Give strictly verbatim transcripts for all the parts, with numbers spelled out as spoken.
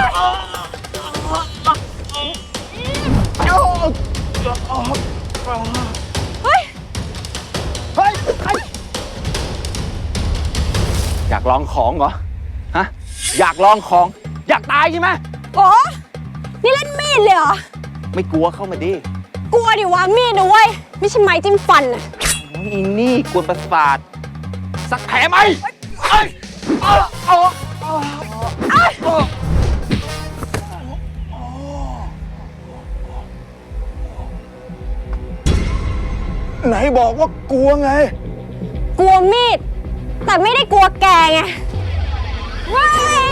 เฮ้ยเฮ้ยอยากลองของเหรอฮะอยากลองของอยากตายใช่ไหมโอ้นี่เล่นมีดเลยเหรอไม่กลัวเข้ามาดิกลัวดิวะมีดนะเว้ยไม่ใช่ไม้จิ้มฟันอะอีนี่กวนประสาทสักแผลไหมเอ้ยเอาเอาไหนบอกว่ากลัวไงกลัวมีดแต่ไม่ได้กลัวแกไงว้าย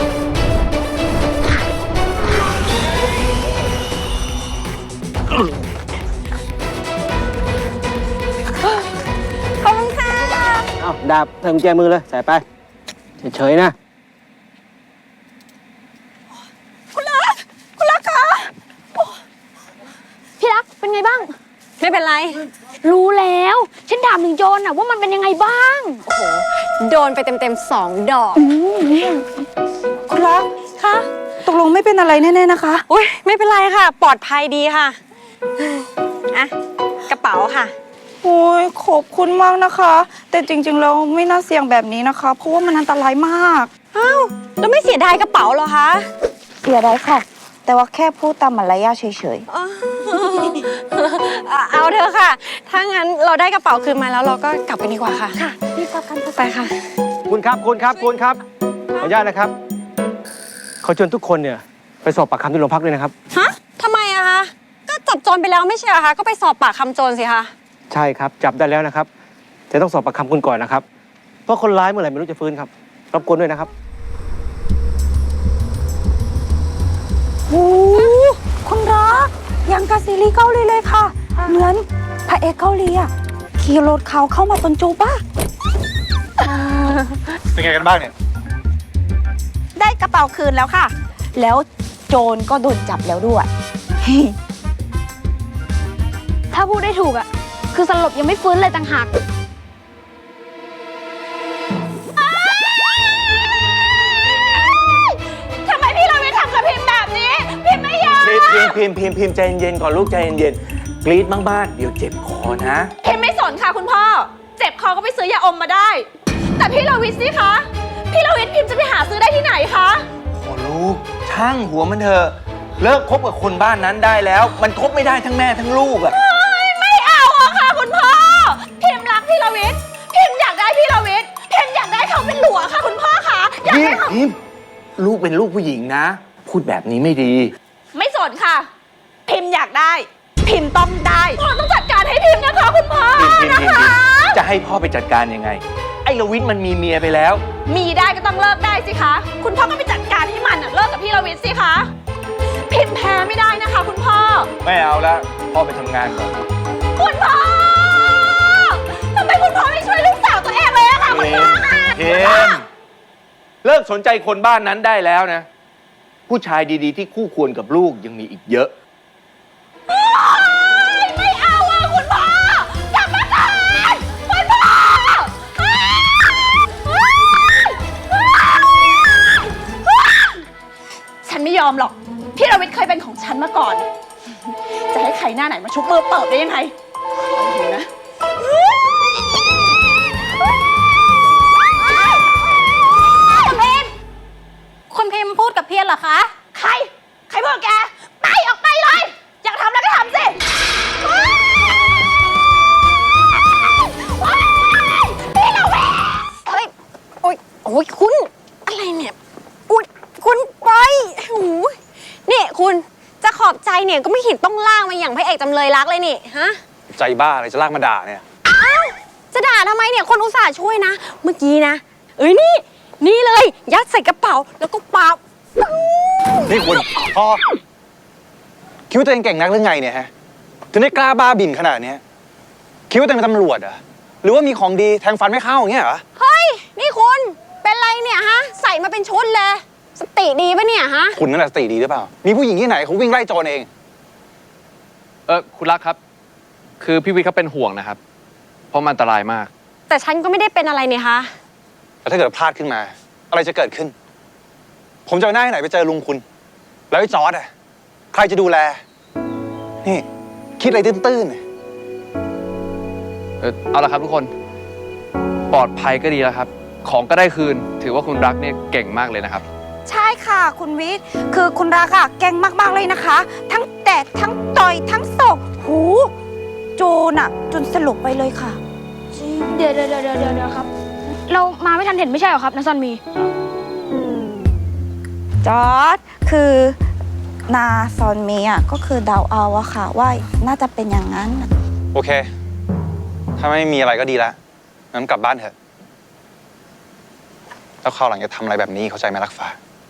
ขอบคุณค่ะเอาดาบใส่กุญแจมือเลยใส่ไปเฉยๆนะคุณรักคุณรักคะพี่รักเป็นไงบ้างไม่เป็นไรรู้แล้วฉันถามถึงโจรน่ะว่ามันเป็นยังไงบ้างโอ้โหโดนไปเต็มๆสองดอกคุณรักคะตกลงไม่เป็นอะไรแน่ๆนะคะอุ้ยไม่เป็นไรค่ะปลอดภัยดีค่ะอะกระเป๋าค่ะโอ้ยขอบคุณมากนะคะแต่จริงๆแล้วไม่น่าเสี่ยงแบบนี้นะคะเพราะว่ามันอันตรายมากอ้าวแล้วไม่เสียดายกระเป๋าเหรอคะเสียดายค่ะแต่ว่าแค่พูดตามมารยาทเฉยๆเอาเถอะค่ะถ้างั้นเราได้กระเป๋าคืนมาแล้วเราก็กลับกันดีกว่าค่ะค่ะรีบกลับกันไปค่ะคุณครับคุณครับคุณครับขออนุญาตนะครับขอเชิญทุกคนเนี่ยไปสอบปากคำที่โรงพักด้วยนะครับฮะทำไมอะคะก็จับโจรไปแล้วไม่ใช่เหรอคะก็ไปสอบปากคำโจรสิคะใช่ครับจับได้แล้วนะครับแต่ต้องสอบปากคำคุณก่อนนะครับเพราะคนร้ายเมื่อไหร่ไม่รู้จะฟื้นครับรบกวนด้วยนะครับโอ้คุณรักยังกับซีรีส์เกาหลีเลยค่ะเหมือนพระเอกเกาหลีอ่ะขี่รถเขาเข้ามาตนจูบ้าเป็นไงกันบ้างเนี่ยได้กระเป๋าคืนแล้วค่ะแล้วโจรก็โดนจับแล้วด้วยถ้าพูดได้ถูกอ่ะคือสลบยังไม่ฟื้นเลยต่างหากทำไมพี่เราไม่ทำกับพิมพ์แบบนี้พิมพ์ไม่ยอมพิมพ์พิมพ์พิมพ์พิมพ์ใจเย็นๆก่อนลูกใจเย็นๆกรี๊ดบ้างๆเดี๋ยวเจ็บคอนะพิมพ์ไม่สนค่ะคุณพ่อเจ็บคอก็ไปซื้อยาอมมาได้แต่พี่เราวิทย์สิคะพี่เราวิทย์พิมพ์จะไปหาซื้อได้ที่ไหนคะโอ้ลูกช่างหัวมันเถอะเลิกคบกับคนบ้านนั้นได้แล้วมันคบไม่ได้ทั้งแม่ทั้งลูกอะไม่เอาอะค่ะคุณพ่อพิมพ์รักพี่เราวิทย์พิมพ์อยากได้พี่เราวิทย์พิมพ์อยากได้เขาเป็นหลวงค่ะคุณพ่อคะอยากได้เขาพิมพ์ลูกเป็นลูกผู้หญิงนะพูดแบบนี้ไม่ดีไม่สนค่ะพิมพ์อยากได้พิมพ์ต้องได้พ่อต้องจัดการให้พิมพ์นะคะคุณพ่อนะคะจะให้พ่อไปจัดการยังไงไอ้ลวิทย์มันมีเมียไปแล้วมีได้ก็ต้องเลิกได้สิคะคุณพ่อก็ไปจัดการให้มันเลิกกับพี่ลวิทย์สิคะพิมพ์แพ้ไม่ได้นะคะคุณพ่อไม่เอาแล้วพ่อไปทำงานก่อนคุณพ่อทำไมคุณพ่อไม่ช่วยลูกสาวตัวเองเลยอะคะคุณพ่อคะพิมพ์เลิกสนใจคนบ้านนั้นได้แล้วนะผู้ชายดีๆที่คู่ควรกับลูกยังมีอีกเยอะไม่เอาอะคุณพ่อกลับมาก่อนคุณพ่อฉันไม่ยอมหรอกพี่ลวิทย์เคยเป็นของฉันมาก่อนจะให้ใครหน้าไหนมาชุบมือเปิดได้ยังไงดูนะคุณพิมพ์พูดกับเพียรเหรอคะใครใครพูดกับแกไปออกไปเลยอยากทำแล้วก็ทำสิพี่ลวิทย์เฮ้ยโอ๊ยโอ๊ยคุณอะไรเนี่ยอุ๊ยคุณไปโอ้ยนี่คุณจะขอบใจเนี่ยก็ไม่เห็นต้องล่างมาอย่างพระเอกจำเลยรักเลยนี่ฮะใจบ้าอะไรจะลากมาด่าเนี่ยอ้าวจะด่าทำไมเนี่ยคนอุตส่าห์ช่วยนะเมื่อกี้นะเอ้ยนี่นี่เลยยัดใส่กระเป๋าแล้วก็ปานี่คุณพอคิดว่าตัวเองเก่งนักหรือไงเนี่ยฮะถึงได้กล้าบ้าบินขนาดนี้คิดว่าตัวเองเป็นตำรวจเหรอหรือว่ามีของดีแทงฟันไม่เข้าอย่างเงี้ยเหรอเฮ้ยนี่คุณเป็นไรเนี่ยฮะใส่มาเป็นชุดเลยสติดีปะเนี่ยฮะคุณนั่นแหละสติดีหรือเปล่ามีผู้หญิงที่ไหนเขาวิ่งไล่โจรเองเออคุณรักครับคือพี่วิทย์เขาเป็นห่วงนะครับเพราะมันอันตรายมากแต่ฉันก็ไม่ได้เป็นอะไรเนี่ยคะแล้วถ้าเกิดพลาดขึ้นมาอะไรจะเกิดขึ้นผมจะไปหน้าที่ไหนไปเจอลุงคุณ แล้วไอ้จอร์ดอะใครจะดูแล นี่ คิดอะไรตื้นๆเนี่ยเออเอาละครับทุกคน ปลอดภัยก็ดีแล้วครับ ของก็ได้คืน ถือว่าคุณรักเนี่ยเก่งมากเลยนะครับใช่ค่ะคุณวิทย์คือคุณรักอะเก่งมากๆเลยนะคะ ทั้งแตะทั้งต่อยทั้งศอกหูโจนอะจนสลบไปเลยค่ะเดี๋ยวเดี๋ยวเดี๋ยวเดี๋ยวเดี๋ยวครับ เรามาไม่ทันเห็นไม่ใช่เหรอครับนาซอนมีจอร์ดคือนาซอนเมียก็คือเดาเอาอะค่ะ ว่าน่าจะเป็นอย่างนั้นน่ะโอเค ถ้าไม่มีอะไรก็ดีละงั้นกลับบ้านเถอะ แล้วคราวหลังจะทำอะไรแบบนี้เข้าใจไหมรักฟ้า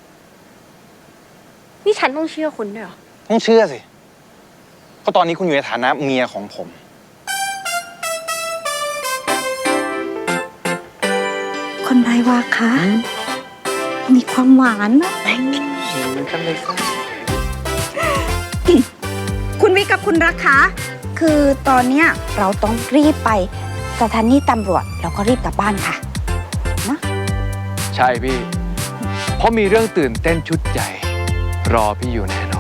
นี่ฉันต้องเชื่อคุณด้วยเหรอต้องเชื่อสิ เพราะตอนนี้คุณอยู่ในฐานะเมียของผมคนไรวะคะมีความหวานนะคุณวิทย์กับคุณรักคะคือตอนเนี้ยเราต้องรีบไปสถานีตำรวจแล้วก็รีบกลับบ้านค่ะนะใช่พี่ เพราะมีเรื่องตื่นเต้นชุดใหญ่ รอพี่อยู่แน่นอน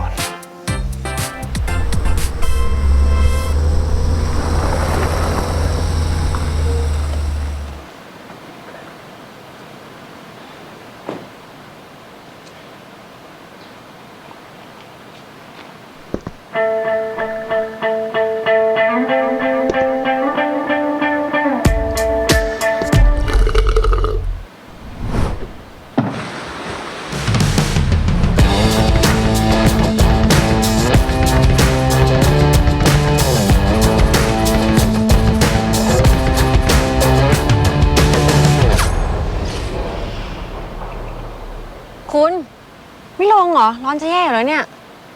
คุณ ไม่ลงเหรอ ร้อนจะแย่อยู่แล้วเนี่ย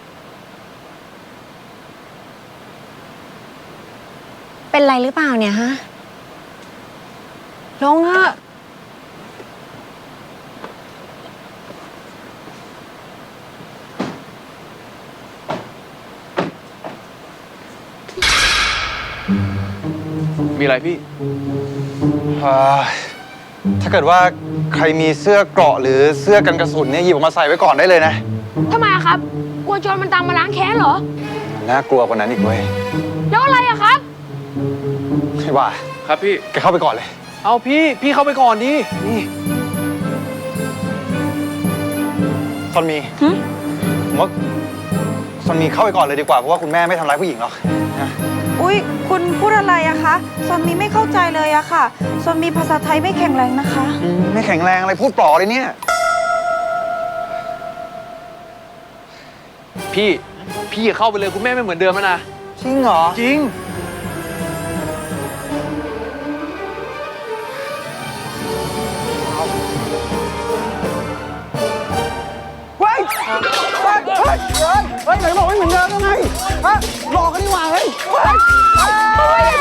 เป็นไรหรือเปล่าเนี่ยฮะ ลงเถอะมีอะไรพี่เอ่อถ้าเกิดว่าใครมีเสื้อเกราะหรือเสื้อกันกระสุนเนี่ยหยิบออกมาใส่ไว้ก่อนได้เลยนะทำไมอะครับ กลัวโจรมันตามมาล้างแค้นเหรอน่ากลัวกว่านั้นอีกเว้ยแล้วอะไรอะครับไม่ว่าครับพี่แกเข้าไปก่อนเลยเอาพี่ พี่เข้าไปก่อนดินี่ซอนมีผมว่าซอนมีเข้าไปก่อนเลยดีกว่า เพราะว่าคุณแม่ไม่ทำร้ายผู้หญิงหรอกนะอุ๊ย คุณพูดอะไรอะคะซอนมีไม่เข้าใจเลยอะค่ะซอนมีภาษาไทยไม่แข็งแรงนะคะอืมไม่แข็งแรงอะไรพูดปลอเลยเนี่ยพี่ พี่อย่าเข้าไปเลยคุณแม่ไม่เหมือนเดิมแล้วนะจริงเหรอจริงเฮ้ยเฮ้ยเฮ้ยเฮ้ยเฮ้ยไหนบอกไม่เหมือนเดิมแล้วไงฮะหลอกกันดีกว่าเฮ้ยเฮ้ยเฮ้ย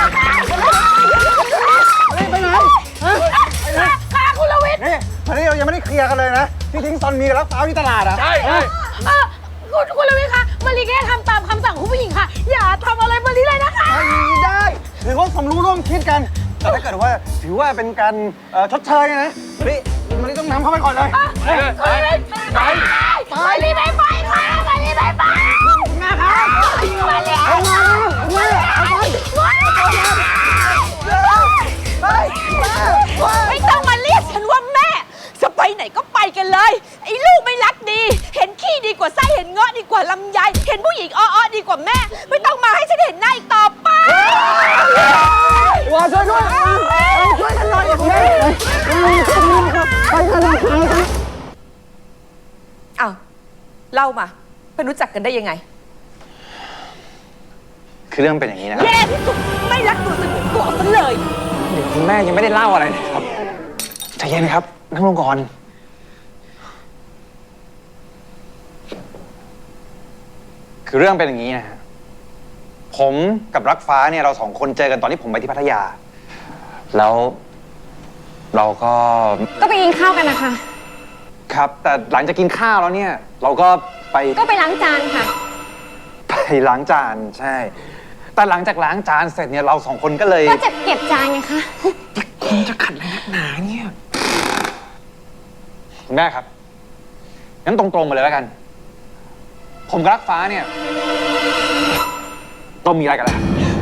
ไปไหนฮะค่ะคุณลวิทย์นี่ตอนนี้เรายังไม่ได้เคลียร์กันเลยนะ ที่ทิ้งซอนมีกับรักฟ้าวที่ตลาดอ่ะใช่ใช่เอ่อคุณคุณลวิทย์คะมารีแค่ทำตามคำสั่งคุณผู้หญิงค่ะ อย่าทำอะไรมารีเลยนะคะไม่ได้ถือว่าสมรู้ร่วมคิดกัน แต่ถ้าเกิดว่าถือว่าเป็นการเอ่อชดเชยนะนี่มันต้องนำเข้าไปก่อนเลยไปเลยไปไปมารีไม่ไปค่ะมารีไม่ไปแม่ครับมารีเอามาเอามาเอาไปไปไม่ต้องมาเรียกฉันว่าแม่ จะไปไหนก็ไปกันเลย ไอ้ลูกไม่รักดี เห็นขี้ดีกว่าไส้เห็นเงาะดีกว่าลำไย เห็นผู้หญิงอ้อๆดีกว่าแม่ ไม่ต้องมาให้ฉันเห็นหน้าอีกต่อไปว่าช่วยด้วยช่วยกันหน่อยแม่ไปกันเลยอ้าวเล่ามาไปรู้จักกันได้ยังไงคือเรื่องเป็นอย่างนี้นะครับแย่ที่สุดไม่รักตัวสนิทตัวซะเลยเดี๋ยวคุณแม่ยังไม่ได้เล่าอะไรเลยครับใจเย็นครับนั่งลงก่อนคือเรื่องเป็นอย่างนี้นะฮะผมกับรักฟ้าเนี่ยเราสองคนเจอกันตอนที่ผมไปที่พัทยา แล้วเราก็ก็ไปกินข้าวกันนะคะครับ แต่หลังจากกินข้าวแล้วเนี่ย เราก็ไปก็ไปล้างจานค่ะไปล้างจานใช่ แต่หลังจากล้างจานเสร็จเนี่ยเราสองคนก็เลยก็จะเก็บจานไงคะคุณจะขัดอะไรนักหนาเนี่ยคุณแม่ครับงั้นตรงๆมาเลยแล้วกัน ผมกับรักฟ้าเนี่ยต้องมีอะไรกันแล้ว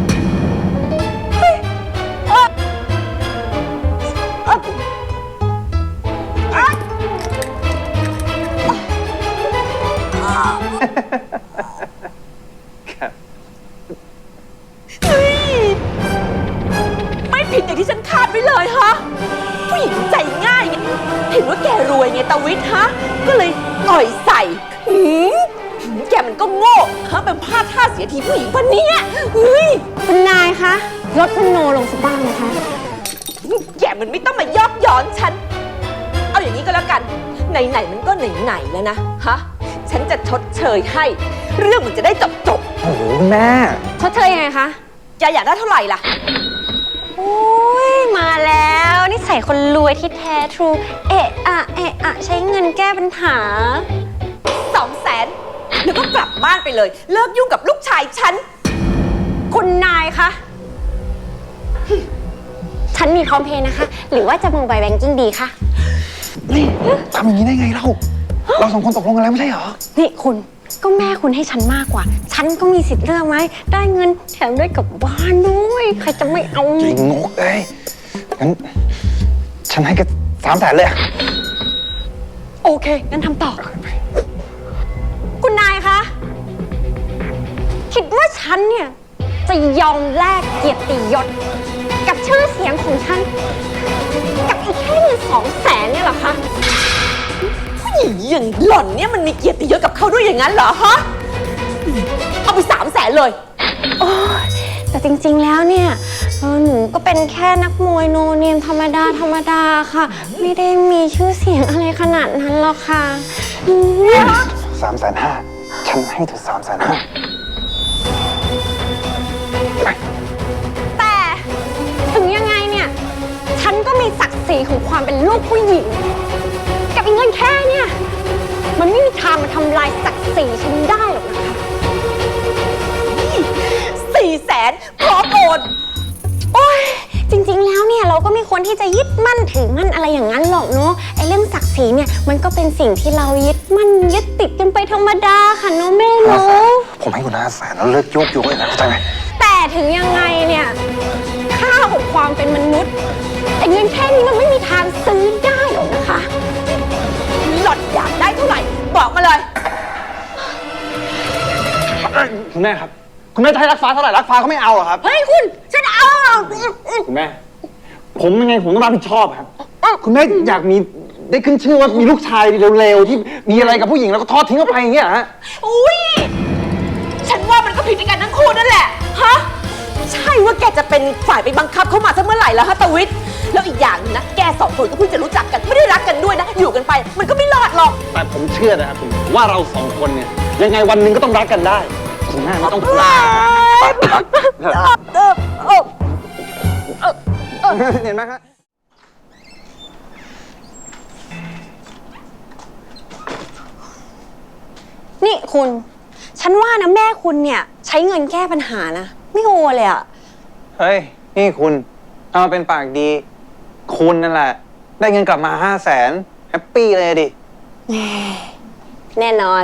ไม่ผิดอย่างที่ฉันคาดไว้เลยฮะ ผู้หญิงใจง่ายไงเห็นว่าแกรวยไงตาวิทย์ฮะ ก็เลยอ่อยใส่หืมแกมันก็โง่ฮะเป็นพลาดท่าเสียทีผู้หญิงคนเนี้ยเฮ้ยคุณนายคะลดคุณโนลงสักบ้างนะคะแกมันไม่ต้องมายอกย้อนฉัน เอาอย่างนี้ก็แล้วกัน ไหนๆมันก็ไหนๆแล้วนะฮะ ฉันจะชดเชยให้ เรื่องมันจะได้จบจบโอ้โหแม่ชดเชยยังไงคะๆแกอยากได้เท่าไหร่ล่ะโอ้ยมาแล้วนี่ใส่คนรวยที่แท้ทรูเอะอะเอะอะใช้เงินแก้ปัญหาสองแสนแล้วก็กลับบ้านไปเลย เลิกยุ่งกับลูกชายฉันคุณนายคะ ฉันมีพร้อมเพย์นะคะ หรือว่าจะโมบายแบงกิ้งดีคะนี่ทำอย่างนี้ได้ไงเรา เราสองคนตกลงกันแล้วไม่ใช่เหรอนี่คุณก็แม่คุณให้ฉันมากกว่า ฉันก็มีสิทธิ์เลือกไหม ได้เงินแถมได้กลับบ้านด้วย ใครจะไม่เอาจริงงกเลยงั้นฉันให้แค่สามแสนเลยอะโอเค งั้นทำต่อ คุณนายคะ คิดว่าฉันเนี่ย จะยอมแลกเกียรติยศ กับชื่อเสียงของฉัน กับอีกแค่เงินสองแสนเนี่ยเหรอคะผู้หญิงอย่างหล่อนเนี่ยมันมีเกียรติยศกับเขาด้วยอย่างนั้นเหรอฮะ เอาไปสามแสนเลยโอ้ยแต่จริงๆ แล้วเนี่ยเออหนูก็เป็นแค่นักมวยโนเนมธรรมดาธรรมดาค่ะ ไม่ได้มีชื่อเสียงอะไรขนาดนั้นหรอกค่ะอืมสามแสนห้าฉันให้เธอสามแสนห้าแต่ถึงยังไงเนี่ย ฉันก็มีศักดิ์ศรีของความเป็นลูกผู้หญิง กับอีกเงินแค่เนี่ย มันไม่มีทางมาทำลายศักดิ์ศรีฉันได้หรอกนะคะสี่แสนพร้อมโอนโอ้ยจริงๆ แล้วเนี่ยเราก็ไม่ควรที่จะยึดมั่นถือมั่นอะไรอย่างนั้นหรอกเนาะไอ้เรื่องศักดิ์ศรีเนี่ยมันก็เป็นสิ่งที่เรายึดมั่นยึดติดกันไปธรรมดาค่ะเนาะแม่ห้าเนาแสนะผมให้คุณห้าแสนแล้วเลิกโยกโยกเลยนะเข้าใจไหมแต่ถึงยังไงเนี่ยค่าของความเป็นมนุษย์ไอ้เงินแค่นี้มันไม่มีทางซื้อได้หรอกนะคะหล่อนอยากได้เท่าไหร่ บอกมาเลยคุณแม่ครับ คุณแม่จะให้รักฟ้าเท่าไหร่รักฟ้าเขาไม่เอาหรอครับเฮ้ยคุณฉันเอาคุณแม่ ผมยังไงผมต้องรับผิดชอบครับ คุณแม่อยากมีได้ขึ้นชื่อว่ามีลูกชายเร็วๆที่มีอะไรกับผู้หญิงแล้วก็ทอดทิ้งออกไปอย่างเงี้ยฮะอุ้ย ฉันว่ามันก็ผิดด้วยกันทั้งคู่นั่นแหละ ฮะ ใช่ว่าแกจะเป็นฝ่ายไปบังคับเขามาซะเมื่อไหร่แล้วฮะตาวิทย์ แล้วอีกอย่างหนึงนะ แกสองคนก็เพิ่งจะรู้จักกัน ไม่ได้รักกันด้วยนะ อยู่กันไป มันก็ไม่รอดหรอกแต่ผมเชื่อนะครับคุณว่าเราสองคนเนี่ยยังไงวันหนึ่งก็ต้องรักกันได้คุณแม่ไม่ต้องกลัวเห็นไหมครับนี่คุณ ฉันว่านะแม่คุณเนี่ยใช้เงินแก้ปัญหานะ ไม่โอเลยอะเฮ้ย นี่คุณ เอามาเป็นปากดี คุณนั่นแหละ ได้เงินกลับมาห้าแสนแฮปปี้เลยดิแน่นอน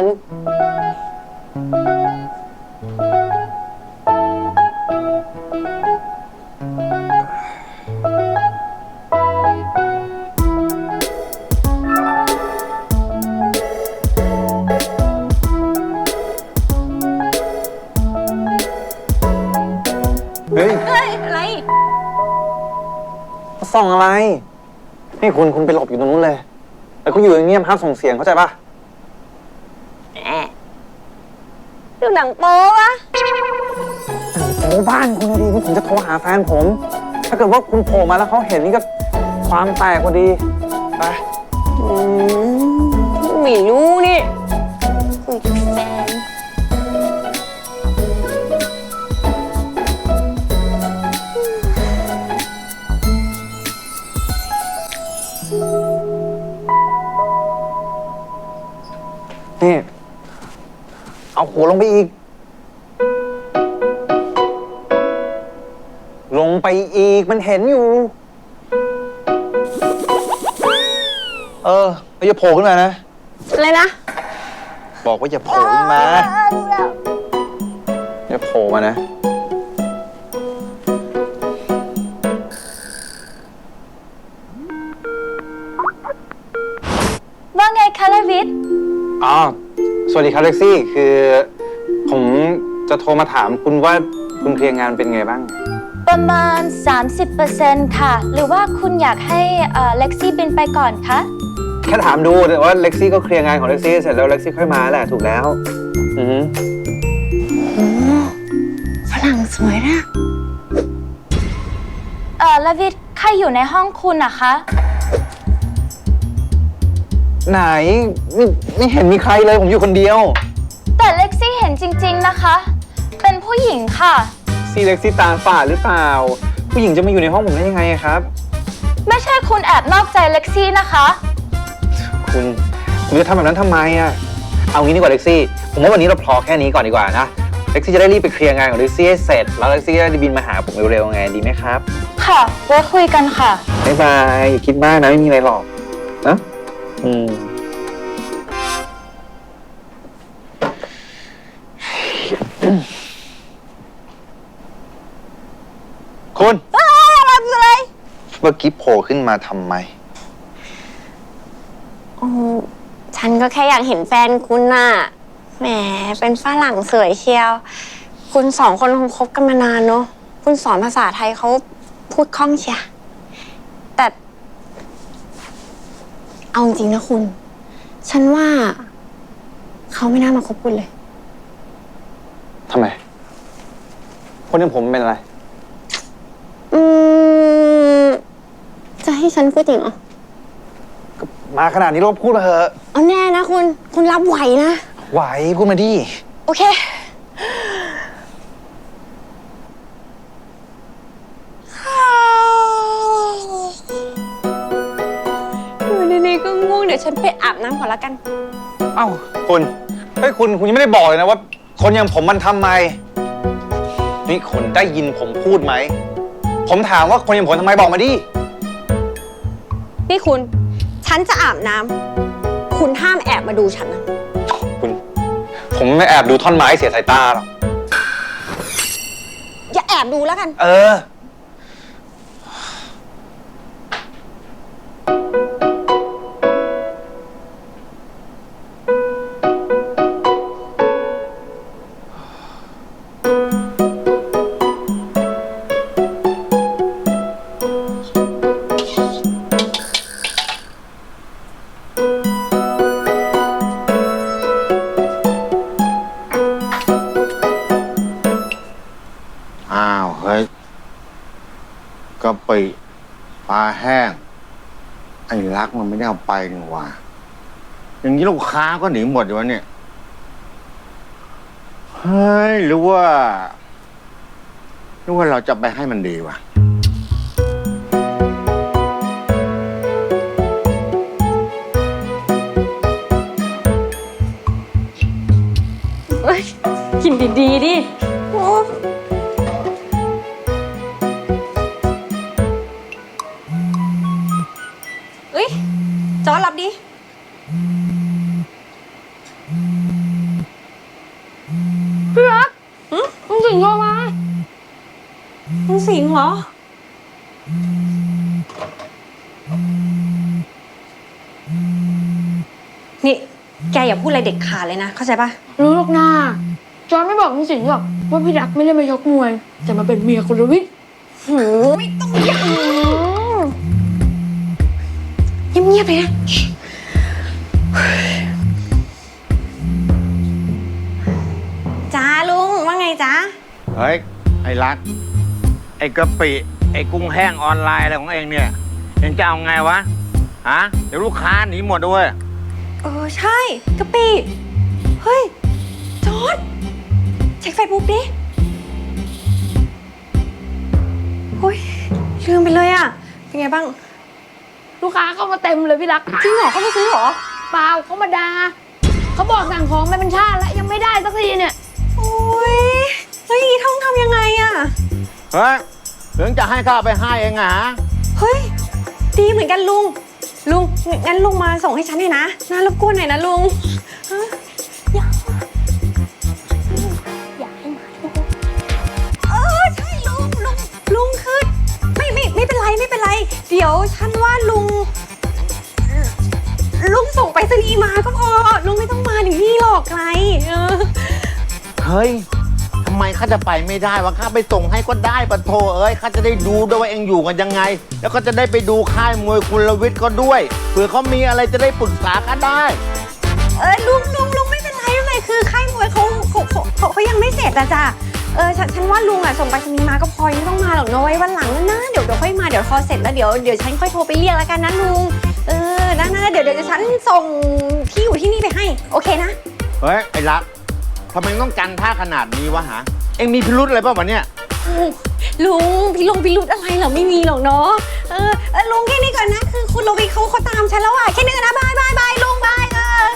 เฮ้ยเฮ้ย อะไรส่องอะไร นี่คุณคุณไปหลบอยู่ตรงนู้นเลย แล้วก็อยู่อย่างเงียบห้ามส่งเสียงเข้าใจปะแอะดูหนังโป๊วะโอ้บ้านคุณนะดีนี่ผมจะโทรหาแฟนผม ถ้าเกิดว่าคุณโผล่มาแล้วเขาเห็นนี่ก็ความแตกพอดี ไปอืมไม่รู้นี่คุยกับแฟนนี่ เอาหัวลงไปอีก ลงไปอีกมันเห็นอยู่ เออแล้วอย่าโผล่ขึ้นมานะอะไรนะเบอกว่าอย่าโผล่ขึ้นมาอย่าโผล่มานะว่าไงคะลวิทย์อ๋อ สวัสดีครับเล็กซี่ คือผมจะโทรมาถามคุณว่าคุณเคลียร์งานเป็นไงบ้างประมาณ สามสิบเปอร์เซ็นต์ ค่ะ หรือว่าคุณอยากให้เอ่อเล็กซี่บินไปก่อนคะแค่ถามดูแต่ว่าเล็กซี่ก็เคลียร์งานของเล็กซี่เสร็จแล้วเล็กซี่ค่อยมาแหละถูกแล้ว อือฮึฝรั่งสวยนะเอ่อลวิทย์ใครอยู่ในห้องคุณนะคะไหนไม่ไม่เห็นมีใครเลยผมอยู่คนเดียวแต่เล็กซี่เห็นจริงๆนะคะ เป็นผู้หญิงค่ะซี่เล็กซี่ตาฝาดหรือเปล่า ผู้หญิงจะมาอยู่ในห้องผมได้ยังไงอะครับไม่ใช่คุณแอบนอกใจเล็กซี่นะคะคุณคุณจะทำแบบนั้นทำไมอะเอางี้ดีกว่าเล็กซี่ ผมว่าวันนี้เราพอแค่นี้ก่อนดีกว่านะเล็กซี่จะได้รีบไปเคลียร์งานของเล็กซี่ให้เสร็จแล้วเล็กซี่จะได้บินมาหาผมเร็วๆไงดีไหมครับค่ะไว้คุยกันค่ะบ๊ายบายอย่าคิดมากนะไม่มีอะไรหรอกนะอืมคุณอะไรเมื่อกี้โผล่ขึ้นมาทำไมโอ้ฉันก็แค่อยากเห็นแฟนคุณน่ะ แหม เป็นฝรั่งสวยเชียว คุณสองคนคงคบกันมานานเนอะ คุณสอนภาษาไทยเขาพูดคล่องเชียแต่ เอาจริงๆนะคุณ ฉันว่า เขาไม่น่ามาคบคุณเลยทำไม คนอย่างผมเป็นอะไรอืม จะให้ฉันพูดจริงเหรอมาขนาดนี้เราพูดมาเถอะเอาแน่นะคุณ คุณรับไหวนะไหวพูดมาดิโอเค อยู่ดีๆก็ง่วงเดี๋ยวฉันไปอาบน้ำก่อนละกันเอ้าคุณเฮ้ยคุณคุณยังไม่ได้บอกเลยนะว่า คนอย่างผมมันทำไม นี่คุณได้ยินผมพูดไหม ผมถามว่าคนอย่างผมทำไมบอกมาดินี่คุณ ฉันจะอาบน้ำ คุณห้ามแอบมาดูฉันนะคุณ ผมไม่แอบดูท่อนไม้เสียสายตาหรอกอย่าแอบดูแล้วกันเอออ้าว เฮ้ยกะปิปลาแห้ง ไอ้รักมันไม่ได้เอาไปนี่หว่าอย่างนี้ลูกค้าก็หนีหมดอยู่วะเนี่ย เฮ้ย หรือว่า หรือว่าเราจะไปให้มันดีวะกินดีๆดิเอ้ย จอรับดิ พี่รักมึงสิงโทรมามึงสิงเหรอ นี่ แกอย่าพูดอะไรเด็ดขาดเลยนะ เข้าใจปะรู้หรอกนาจอนไม่บอกคุณสิงห์หรอกว่าพี่รักไม่ได้มายกมวย แต่มาเป็นเมียคุณลวิทย์หือไม่ต้องเงียบเงียบๆเลยนะจ้าลุงว่าไงจ้าเฮ้ย ไอ้รัก ไอ้กะปิ ไอ้กุ้งแห้งออนไลน์อะไรของเองเนี่ย เองจะเอาไงวะ ฮะ เดี๋ยวลูกค้าหนีหมดด้วยเออใช่กะปิเฮ้ย จอร์ดเช็คเฟซบุ๊กดิโอ้ยลืมไปเลยอ่ะ เป็นไงบ้างลูกค้าเข้ามาเต็มเลยพี่รักจริงเหรอเขาไม่ซื้อเหรอเปล่าเขามาด่าเขาบอกสั่งของมาเป็นชาติแล้วยังไม่ได้สักทีเนี่ยโอ้ยแล้วอย่างนี้ต้องทำยังไงอ่ะเฮ้ยถึงจะให้ข้าไปให้เองอะฮะเฮ้ย ดีเหมือนกันลุง ลุง งั้นลุงมาส่งให้ฉันหน่อยนะน่ารบกวนหน่อยนะลุงฮะอยากยวฉันว่าลุง ลุงส่งไปรษณีย์มาก็พอ ลุงไม่ต้องมาถึงนี่หรอกไกลเออเฮ้ยทำไมข้าจะไปไม่ได้วะข้าไปส่งให้ก็ได้ปะโทเอ้ยข้าจะได้ดูด้วยว่าเองอยู่กันยังไง แล้วก็จะได้ไปดูค่ายมวยคุณลวิทย์ก็ด้วยเผื่อเขามีอะไรจะได้ปรึกษาข้าได้เออลุงลุงลุงไม่เป็นไรไม่เป็นไรคือค่ายมวยเขาเขาเขาเขาเขายังไม่เสร็จอะจ้ะเออฉันฉันว่าลุงอะส่งไปรษณีย์มาก็พอไม่ต้องมาหรอกเนอะไว้วันหลังนะเดี๋ยวเดี๋ยวค่อยมาเดี๋ยวพอเสร็จแล้วเดี๋ยวเดี๋ยวฉันค่อยโทรไปเรียกแล้วกันนะลุงเออนะนะเดี๋ยวเดี๋ยวฉันส่งที่อยู่ที่นี่ไปให้โอเคนะเฮ้ยไอ้รักทำไมต้องกันท่าขนาดนี้วะฮะเอ็งมีพิรุธอะไรป่ะวะเนี่ยลุงพี่ลุงพี่รุดอะไรเหรอไม่มีหรอกเนาะเออเออลุงแค่นี้ก่อนนะคือคุณโรบิเขาเขาตามฉันแล้วอะแค่นี้ก่อนนะบายบายบายลุงบายเออ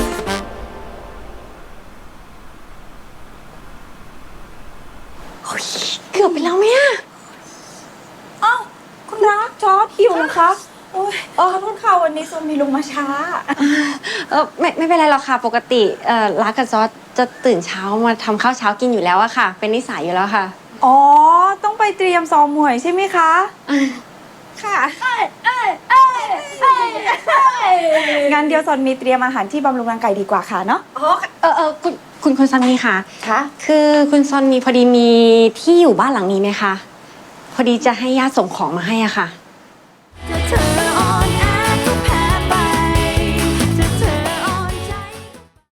โอ้ยเกือบไปแล้วไหมอะอ้าวคุณรักจอร์ดหิวนะคะโอ้ยขอโทษค่ะวันนี้โซมีลุงมาช้าเออไม่ไม่เป็นไรหรอกค่ะปกติเอ่อรักกับจอร์จจะตื่นเช้ามาทำข้าวเช้ากินอยู่แล้วอะค่ะ เป็นนิสัยอยู่แล้วค่ะอ๋อ ต้องไปเตรียมซ้อมมวยใช่ไหมคะค่ะงั้นเดี๋ยวซอนมีเตรียมอาหารที่บำรุงร่างกายดีกว่าค่ะเนาะอ๋อเออเออคุณคุณคุณซอนมีค่ะค่ะคือคุณซอนมีพอดีมีที่อยู่บ้านหลังนี้ไหมคะพอดีจะให้ญาติส่งของมาให้อะค่ะ